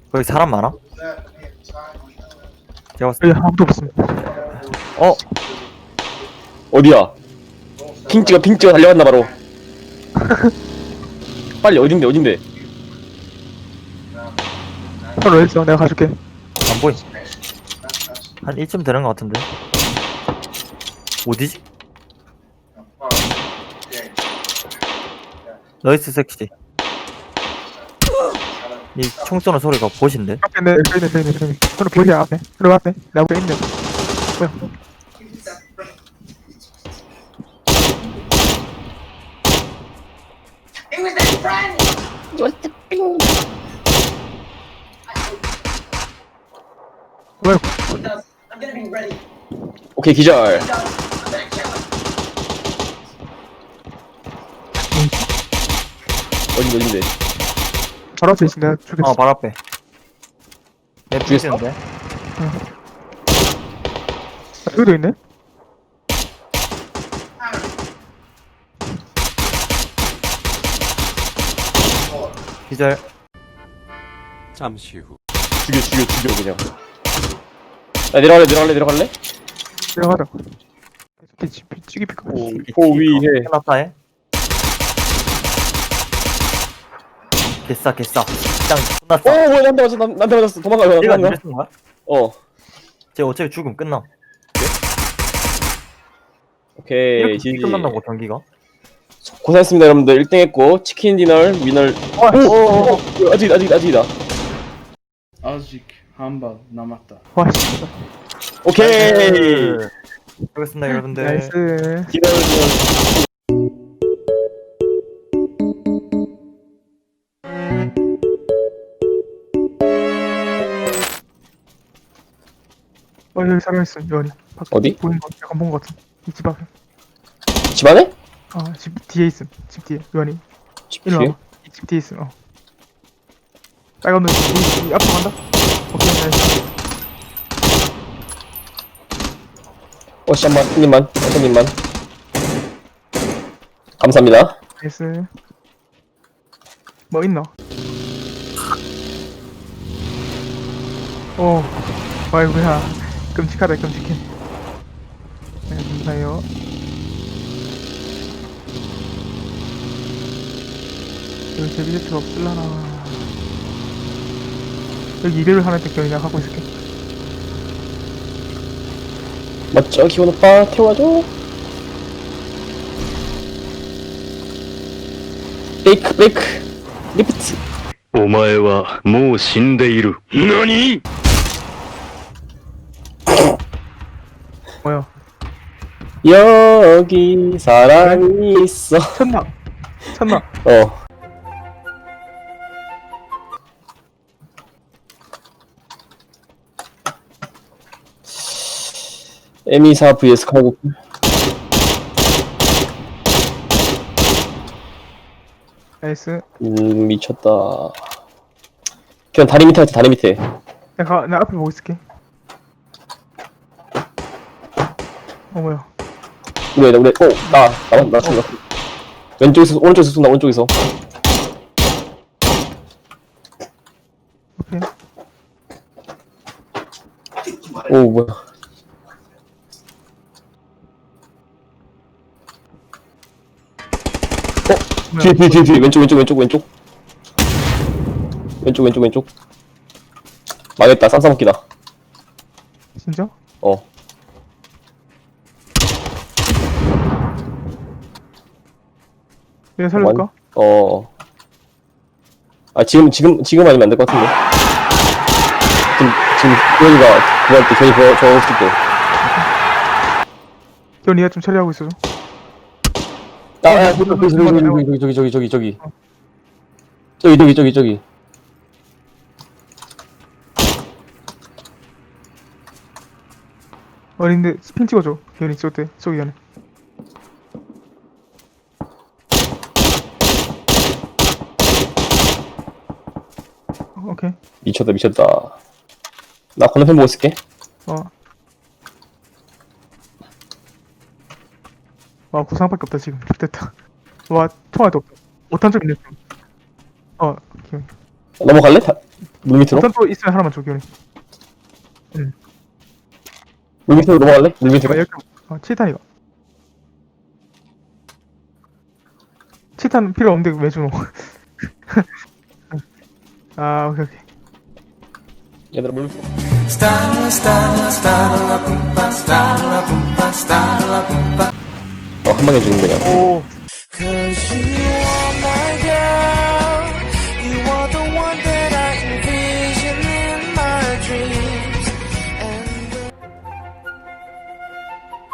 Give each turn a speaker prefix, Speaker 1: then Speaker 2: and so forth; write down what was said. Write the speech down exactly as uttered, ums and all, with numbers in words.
Speaker 1: 거기 사람 많아? 제가 봤을
Speaker 2: 여기 아무도 없습니다.
Speaker 1: 때 어?
Speaker 3: 어디야? 핑 찍어 핑 찍어 달려갔나 바로. 빨리 어딘데 어딘데?
Speaker 2: 바로 있어. 내가 가줄게.
Speaker 1: 안 보임. 한 이쯤 되는 것 같은데. 어디지? 너이스 섹시. 이 총 쏘는 소리가 보신데?
Speaker 2: 앞에 내 여기 있네, 여기 있네, 여기. 바로 보이야 앞에. 바로 앞에. 내 앞에 있네. 뭐야?
Speaker 4: It was that friend!
Speaker 2: 뭐야?
Speaker 4: I'm gonna be ready.
Speaker 3: 오케이 기절.
Speaker 4: I'm gonna kill him.
Speaker 3: 어딘데 어딘데?
Speaker 2: 바로 앞에 있어. 내가 죽였어.
Speaker 1: 어, 바로 앞에. 내
Speaker 3: 죽였어?
Speaker 1: 죽였는데?
Speaker 2: 아, 여기도 있네.
Speaker 1: 기절.
Speaker 5: 잠시 후.
Speaker 3: 죽여 죽여 죽여 그냥. 야 내려갈래 내려갈래 내려갈래?
Speaker 2: 내려가자. 찌기 찌기 피카.
Speaker 3: 포위해.
Speaker 1: 해놨다해. 개싸, 개싸. 짱,
Speaker 3: 어
Speaker 1: 끝났어.
Speaker 3: 뭐야 나한테 맞았어 나- 나한테 맞았어 도망가 도망가
Speaker 1: 얘가
Speaker 3: 도망가.
Speaker 1: 이랬은 거야?
Speaker 3: 어
Speaker 1: 쟤 어차피 죽음 끝나.
Speaker 3: 오케이
Speaker 1: 이렇게
Speaker 3: 지지.
Speaker 1: 끝난다고, 경기가?
Speaker 3: 고생했습니다 여러분들. 일 등 했고 치킨 디너 위너. 오오오 아직 아직 아직이다.
Speaker 6: 아직 한 발 남았다.
Speaker 2: 와 씨.
Speaker 3: 오케이.
Speaker 1: 수고했습니다, 여러분들.
Speaker 2: 나이스.
Speaker 3: 디너 디너.
Speaker 2: 어 여기 사람 있어. 요한이. 밖에
Speaker 3: 어디?
Speaker 2: 보이는 거 약간 본 거 같은. 이 집 앞에.
Speaker 3: 집안에?
Speaker 2: 어집 뒤에 있음. 집 뒤에. 요한이.
Speaker 3: 집
Speaker 2: 일로
Speaker 3: 뒤에?
Speaker 2: 와봐. 이 집 뒤에 있음. 어. 빨간 눈. 이, 이 앞으로 간다. 오케이 나이스.
Speaker 3: 어씨 한번 한 입만 한 입만. 감사합니다.
Speaker 2: 나이스. 뭐 있나? 오, 아이고야. 끔찍하다, 끔찍해. 네, 감사해요. 여기 제비제트가 없을라나. 여기 이배를 하나 때 그냥 하고 있을게.
Speaker 3: 맞죠 기원 오빠 태워줘. 베이크 베이크 리프트.
Speaker 7: お前はもう死んでいる。何？
Speaker 2: 뭐야?
Speaker 3: 여기 사람이 있어.
Speaker 2: 천나! 천나!
Speaker 3: 어. 엠이사 vs 카고.
Speaker 2: 나이스.
Speaker 3: 음 미쳤다. 그냥 다리 밑에 하자 다리 밑에.
Speaker 2: 내가, 내 앞에 보고 있을게. 어, 뭐야.
Speaker 3: 우리 우리 어나나나 나 쏜다. 왼쪽에서 오른쪽에서 쏜다 오른쪽에서.
Speaker 2: 오케이.
Speaker 3: 오 뭐야. 어 뒤에 뒤에 뒤에 뒤에 왼쪽 왼쪽 왼쪽 왼쪽 왼쪽 왼쪽 왼쪽. 망했다 쌈싸먹기다.
Speaker 2: 진짜?
Speaker 3: 어.
Speaker 2: 내가 살릴까?
Speaker 3: 어. 아 지금 지금 지금 아니면 안 될 것 같은데. 지금 지금 교현이가 그거 할때 교현이 그거 저거 했을 때.
Speaker 2: 형, 니가 좀 처리하고 있어줘.
Speaker 3: 아, 아, 저기 저기 저기 저기 저기 저기 저기 저기 저기 저기 저기.
Speaker 2: 어린데 스핀 찍어줘. 기현이 저때 쏘기 전에. 어, 오케이.
Speaker 3: 미쳤다 미쳤다. 나 건너편 보고 있을게.
Speaker 2: 어. 와 구상밖에 없다 지금. 됐다. 와 통화도 없다. 오탄 좀 있네. 어. 오케이.
Speaker 3: 넘어갈래? 다, 물 밑으로?
Speaker 2: 우선 또 있으면 하나만 줘, 기훈이.
Speaker 3: 물 밑으로 넘어갈래? 물 밑으로?
Speaker 2: 어, 여기, 어, 칠탄 이거. 칠탄 필요 없는데 왜 주노? 아, 오케이, 오케이.
Speaker 3: 얘들아 물 밑으로. 어, 한 방에 죽는 거야.
Speaker 2: 오.